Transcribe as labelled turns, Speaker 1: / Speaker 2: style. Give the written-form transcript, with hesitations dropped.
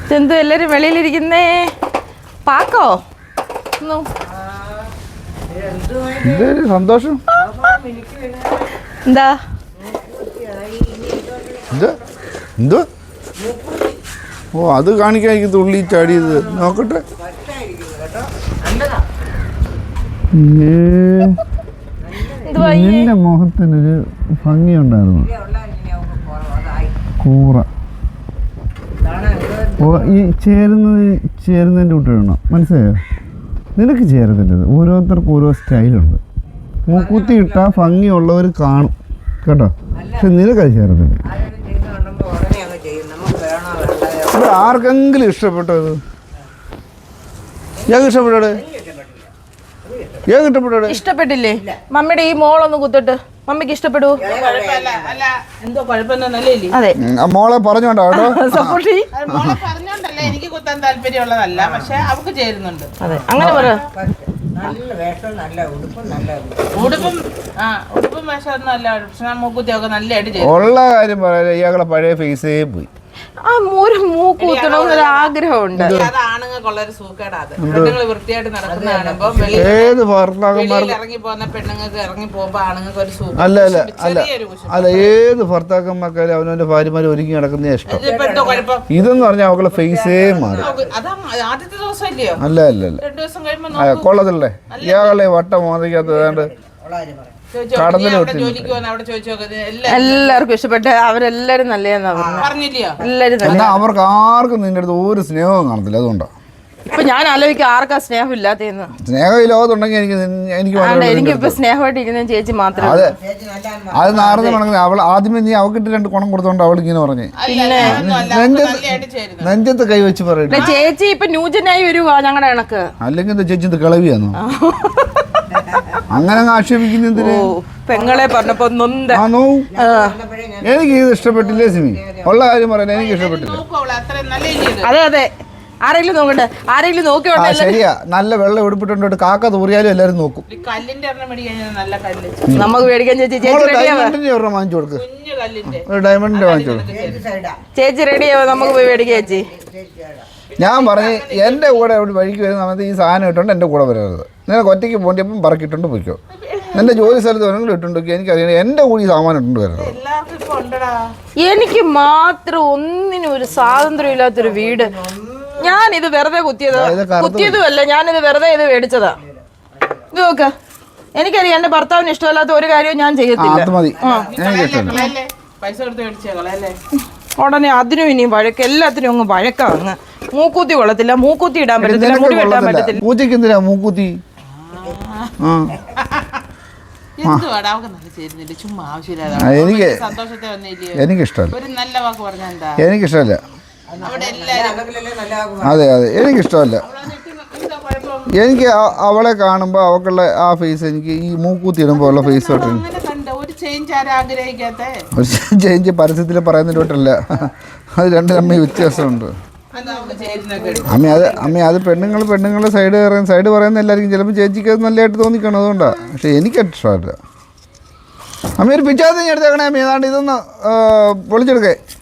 Speaker 1: ഇതെന്തോ എല്ലാരും വെളിയിലിരിക്കുന്നേ. പാക്കോ
Speaker 2: സന്തോഷം.
Speaker 1: എന്താ
Speaker 2: എന്തോ? ഓ, അത് കാണിക്കാൻ എനിക്ക് തുള്ളി ചാടിയത്. നോക്കട്ടെ. നിന്റെ മുഖത്തിനൊരു ഭംഗിയുണ്ടായിരുന്നു. കൂറ ഈ ചേരുന്നതിൻ്റെ കൂട്ടിടണം. മനസ്സിലായോ? നിനക്ക് ചേരത്തില്ലത്. ഓരോരുത്തർക്കും ഓരോ സ്റ്റൈലുണ്ട്. മൂക്കുത്തി ഇട്ടാൽ ഭംഗിയുള്ളവർ കാണും കേട്ടോ. പക്ഷെ നിനക്കത് ചേരത്തില്ല. ഇവിടെ ആർക്കെങ്കിലും ഇഷ്ടപ്പെട്ടത്? ഞാൻ ഇഷ്ടപ്പെട്ടോടെ?
Speaker 1: ഇഷ്ടപ്പെട്ടില്ലേ? മമ്മിയുടെ ഈ മോളൊന്ന് കുത്തിട്ട് മമ്മിക്ക് ഇഷ്ടപ്പെടൂ? അതെ,
Speaker 2: മോളെ പറഞ്ഞോണ്ടോ
Speaker 3: എനിക്ക് കുത്താൻ താല്പര്യമുള്ളതല്ല, പക്ഷെ അവർക്ക് ചേരുന്നുണ്ട്.
Speaker 1: അതെ, അങ്ങനെ പറ.
Speaker 3: ഉടുപ്പും വേഷമൊന്നും അല്ല, പക്ഷെ മൂക്കുത്തിയൊക്കെ നല്ലതായിട്ട് ചെയ്യും.
Speaker 2: ഉള്ള കാര്യം പറയാ, ഇയാളെ പഴയ ഫേസേ പോയി.
Speaker 1: ആ ഒരു മൂക്ക് കുത്തണമെന്നൊരു ആഗ്രഹമുണ്ട്.
Speaker 3: അത് ആണുങ്ങൾക്കുള്ളൊരു സൂക്കേടാ. അത് പെണ്ണുങ്ങൾ വൃത്തിയായിട്ട് നടക്കുന്ന കാണുമ്പോ
Speaker 2: ഏത് ഭർത്താക്കന്മാർക്ക്
Speaker 3: ഇറങ്ങി പോകുന്ന പെണ്ണുങ്ങൾക്ക് ഇറങ്ങി പോകുമ്പോ ആണുങ്ങൾക്ക് ഒരു സൂക്കേട്.
Speaker 2: അല്ല ഏത് ഭർത്താക്കന്മാർക്കാരും അവനവന്റെ ഭാര്യമാര് ഒരുങ്ങി നടക്കുന്ന ഇഷ്ടം. ഇതെന്ന് പറഞ്ഞാൽ അവളുടെ ഫേസേ മാറി.
Speaker 3: ആദ്യത്തെ ദിവസം ഇല്ലയോ?
Speaker 2: അല്ല
Speaker 3: 2 ദിവസം കഴിയുമ്പോ
Speaker 2: കൊള്ളതല്ലേ ഇയാളെ വട്ടം മോദിക്കാത്തതാണ്ട്
Speaker 1: എല്ലാവർക്കും ഇഷ്ടപ്പെട്ട് അവരെല്ലാരും നല്ലതെന്നാ
Speaker 3: പറഞ്ഞില്ലയോ?
Speaker 1: എല്ലാരും
Speaker 2: അവർക്ക് ആർക്കും നിന്റെ അടുത്ത് ഒരു സ്നേഹവും കാണത്തില്ല. അതുകൊണ്ടാണ്
Speaker 1: ഇപ്പൊ ഞാൻ ആലോചിക്കും ആർക്കാ സ്നേഹം ഇല്ലാത്തതെന്ന്.
Speaker 2: സ്നേഹം ഈ ലോകത്തുണ്ടെങ്കിൽ
Speaker 1: എനിക്കിപ്പോ സ്നേഹമായിട്ട് ഇരിക്കുന്ന ചേച്ചി മാത്രമേ.
Speaker 2: അത് നാർന്ന് മണങ്ങുന്നത്. അവൾ ആദ്യമേ നീ അവക്കിട്ട് 2 കുണം കൊടുത്തോണ്ട് അവൾ ഇങ്ങനെ പറഞ്ഞേ. നെഞ്ചത്ത് കൈവച്ച് പറയട്ടെ.
Speaker 1: ചേച്ചി ഇപ്പൊ ന്യൂജനായി വരുവാ ഞങ്ങളുടെ കണക്ക്.
Speaker 2: അല്ലെങ്കിൽ എന്താ ചേച്ചി ഇത് കിളവിയാന്നോ? അങ്ങനെ ആക്ഷേപിക്കുന്നതിന്
Speaker 1: പെങ്ങളെ പറഞ്ഞപ്പോ
Speaker 2: എനിക്ക് ഇത് ഇഷ്ടപ്പെട്ടില്ലേ സിമി? ഉള്ള കാര്യം പറയാൻ എനിക്ക് ഇഷ്ടപ്പെട്ടില്ല.
Speaker 1: അതെ ആരെങ്കിലും നോക്കട്ടെ, ആരെങ്കിലും നോക്കി.
Speaker 2: ശരിയാ, നല്ല വെള്ളം ഉടുപ്പിട്ടുണ്ട് കാക്ക തൂറിയാലും എല്ലാരും നോക്കും.
Speaker 1: നമുക്ക് മേടിക്കാൻ ചേച്ചി
Speaker 2: വാങ്ങിച്ചു കൊടുക്ക്. ഒരു ഡയമണ്ടിന്റെ വാങ്ങിച്ചു കൊടുക്കും.
Speaker 1: ചേച്ചി റെഡിയാവോ? നമുക്ക് പോയി മേടിക്കാം ചേച്ചി.
Speaker 2: ഞാൻ പറഞ്ഞു എൻ്റെ കൂടെ അവിടെ വഴിക്ക് വരുന്ന സമയത്ത് ഈ സാധനം ഇട്ടുകൊണ്ട് എൻ്റെ കൂടെ വരരുത്. നിനക്ക് ഒറ്റയ്ക്ക് പോകേണ്ടപ്പം പറക്കിട്ടുണ്ട് പോയിക്കോ. എൻ്റെ ജോലി സ്ഥലത്ത് വേണമെങ്കിലും ഇട്ടുണ്ടോ എനിക്കറിയാം. എൻ്റെ കൂടി സാമാനം ഇട്ടുണ്ട് വരരുത്.
Speaker 1: എനിക്ക് മാത്രം ഒന്നിനും ഒരു സ്വാതന്ത്ര്യം ഇല്ലാത്തൊരു വീട്. ഞാനിത് വെറുതെ കുത്തിയതുമല്ല, ഞാനിത് വെറുതെ ഇത് മേടിച്ചതാ. ഇത് നോക്ക, എനിക്കറിയാം എന്റെ ഭർത്താവിന് ഇഷ്ടമല്ലാത്ത ഒരു കാര്യവും ഞാൻ ചെയ്യത്തില്ല. ഉടനെ അതിനും ഇനിയും വഴക്ക്, എല്ലാത്തിനും അങ്ങ് വഴക്കാങ്ങ്. മൂക്കൂത്തി കൊള്ളത്തില്ല, മൂക്കൂത്തി ഇടാൻ പറ്റത്തില്ല, മുടി വെട്ടാൻ പറ്റത്തില്ല.
Speaker 2: പൂച്ചയ്ക്ക് എന്തിനാ മൂക്കൂത്തി? എനിക്കിഷ്ടമല്ല. അതെ എനിക്കിഷ്ടമല്ല. എനിക്ക് അവളെ കാണുമ്പോൾ അവക്കുള്ള ആ ഫേസ്, എനിക്ക് ഈ മൂക്കൂത്തി ഇടുമ്പോൾ ഉള്ള ഫേസ് തൊട്ട് ഒരു ചേഞ്ച് പരസ്യത്തിൽ പറയുന്നതിലോട്ടല്ല. അത് രണ്ടും തമ്മിൽ വ്യത്യാസമുണ്ട്. അമ്മ അത് പെണ്ണുങ്ങളുടെ സൈഡ് പറയുന്ന എല്ലാവർക്കും ചിലപ്പോൾ ചേച്ചിക്ക് അത് നല്ലതായിട്ട് തോന്നിക്കണം. അതുകൊണ്ടാണ്. പക്ഷെ എനിക്കത് ഇഷ്ടമല്ല. അമ്മ ഒരു പിച്ചാത്തി എടുത്തേക്കണേ അമ്മ. ഏതാണ്ട് ഇതൊന്ന് പൊളിച്ചെടുക്കേ.